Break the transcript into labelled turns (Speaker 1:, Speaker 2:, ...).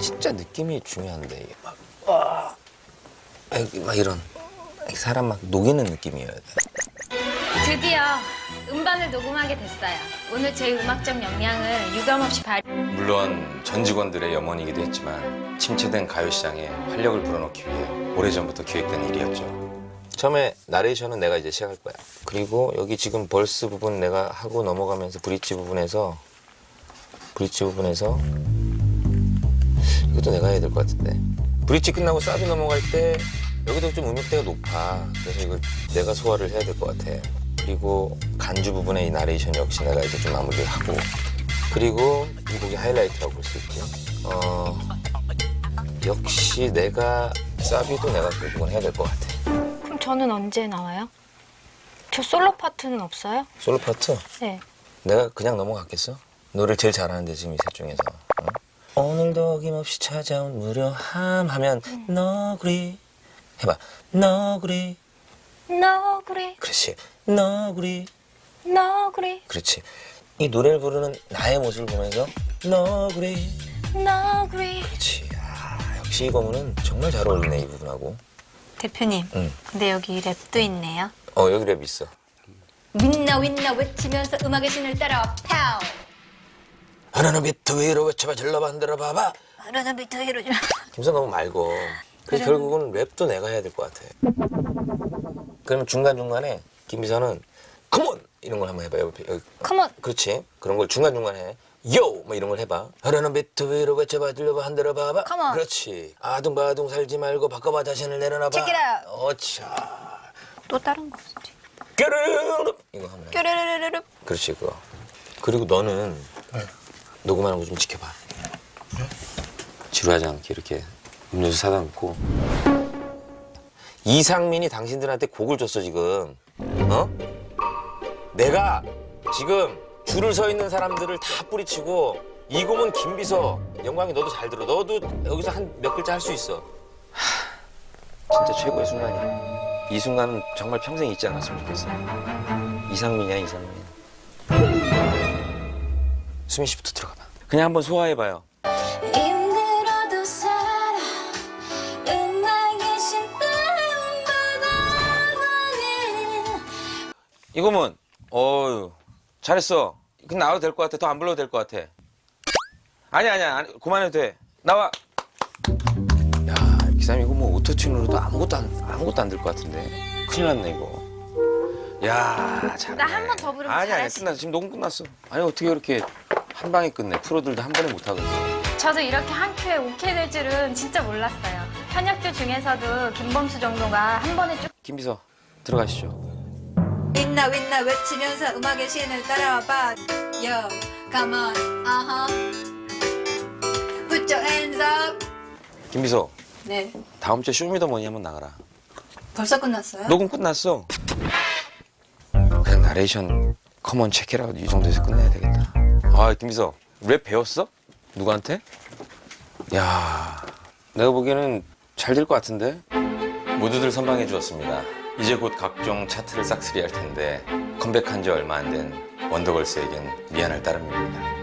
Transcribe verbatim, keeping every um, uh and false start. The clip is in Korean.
Speaker 1: 진짜 느낌이 중요한데 이게 막 와, 막 이런 사람 막 녹이는 느낌이어야 돼.
Speaker 2: 드디어 음반을 녹음하게 됐어요. 오늘 제 음악적 역량을 유감없이 발.
Speaker 1: 물론 전 직원들의 염원이기도 했지만 침체된 가요시장에 활력을 불어넣기 위해 오래전부터 기획된 일이었죠. 처음에 나레이션은 내가 이제 시작할 거야. 그리고 여기 지금 벌스 부분 내가 하고 넘어가면서 브릿지 부분에서 브릿지 부분에서 이것도 내가 해야 될 것 같은데 브릿지 끝나고 사비 넘어갈 때 여기도 좀 음역대가 높아. 그래서 이걸 내가 소화를 해야 될 것 같아. 그리고 간주 부분의 이 나레이션 역시 내가 이제 좀 마무리를 하고 그리고 이 곡이 하이라이트라고 볼 수 있지. 어, 역시 내가 사비도 내가 결국은 해야 될 것 같아.
Speaker 2: 그럼 저는 언제 나와요? 저 솔로 파트는 없어요?
Speaker 1: 솔로 파트?
Speaker 2: 네.
Speaker 1: 내가 그냥 넘어갔겠어? 노래를 제일 잘하는데 지금 이 셋 중에서. 어? 오늘도 어김없이 찾아온 무료함 하면 음. 너구리 해봐. 너구리
Speaker 2: 너구리
Speaker 1: 그렇지. 너구리
Speaker 2: 너구리
Speaker 1: 그렇지. 이 노래를 부르는 나의 모습을 보면서 너구리
Speaker 2: 너구리
Speaker 1: 그렇지. 아, 역시 이 고문은 정말 잘 어울리네 이 부분하고.
Speaker 2: 대표님
Speaker 1: 응.
Speaker 2: 근데 여기 랩도 있네요.
Speaker 1: 어 여기 랩 있어.
Speaker 2: 윈나 윈나 외치면서 음악의 신을 따라와 파우
Speaker 1: 하나는 비트 위로 외쳐봐 질러봐 흔들어 봐봐.
Speaker 2: 하나는 비트 위로
Speaker 1: 김선 너무 말고. 그래서
Speaker 2: 그래.
Speaker 1: 결국은 랩도 내가 해야 될 것 같아. 그러면 중간중간에 김비서는 컴온! 이런 걸 한번 해봐. 여기, 여기.
Speaker 2: 컴온
Speaker 1: 그렇지. 그런 걸 중간중간에 해. 요! 뭐 이런 걸 해봐. 하나는 비트 위로 외쳐봐 들려봐 흔들어 봐봐.
Speaker 2: 컴온
Speaker 1: 그렇지. 아둥바둥 살지 말고 바꿔봐 자신을 내려놔봐.
Speaker 2: Check it out.
Speaker 1: 어차.
Speaker 2: 또 다른 거 없지?
Speaker 1: 뾰르르르 이거 한번 해.
Speaker 2: 뾰르르르르
Speaker 1: 그렇지 그거. 그리고 너는
Speaker 3: 네.
Speaker 1: 녹음하는 거 좀 지켜봐.
Speaker 3: 네?
Speaker 1: 지루하지 않게 이렇게 음료수 사다 놓고. 이상민이 당신들한테 곡을 줬어 지금. 어? 내가 지금 줄을 서 있는 사람들을 다 뿌리치고 이 곡은 김비서. 영광이 너도 잘 들어. 너도 여기서 한 몇 글자 할 수 있어. 하, 진짜 최고의 순간이야. 이 순간은 정말 평생 잊지 않았으면 좋겠어. 이상민이야 이상민. 수민 씨부터 들어가봐. 그냥 한번 소화해봐요.
Speaker 2: 힘들어도 살아 음악의 신 다운받아버린
Speaker 1: 이거면 어유 잘했어. 그냥 나와도 될 것 같아. 더 안 불러도 될 것 같아. 아니야 아니야 아니, 그만해도 돼. 나와. 야, 이 사람 이거 뭐 오토튠으로도 아무것도 안 아무것도 안 될 것 같은데. 큰일 났네 이거. 야, 잘해.
Speaker 2: 나 한 번 더 부르면
Speaker 1: 아니 아니
Speaker 2: 잘할 수
Speaker 1: 끝났어. 지금 녹음 끝났어. 아니 어떻게 이렇게 한 방에 끝내. 프로들도 한 번에 못 하거든.
Speaker 2: 저도 이렇게 한 큐에 오케이 될 줄은 진짜 몰랐어요. 현역들 중에서도 김범수 정도가 한 번에 쭉
Speaker 1: 김비서 들어가시죠.
Speaker 4: 윈나 윈나 외치면서 음악의 신을 따라와봐. Yo, come on, uh-huh. Put your hands up.
Speaker 1: 김비서
Speaker 4: 네.
Speaker 1: 다음 주에 쇼미더머니 한번 나가라.
Speaker 4: 벌써 끝났어요?
Speaker 1: 녹음 끝났어. 그냥 나레이션 커먼 체크라고 이 정도에서 끝내야 되겠다. 아 김비서 랩 배웠어? 누구한테? 야 내가 보기에는 잘 될 것 같은데? 모두들 선방해 주었습니다. 이제 곧 각종 차트를 싹쓸이 할 텐데 컴백한 지 얼마 안 된 원더걸스에겐 미안할 따름입니다.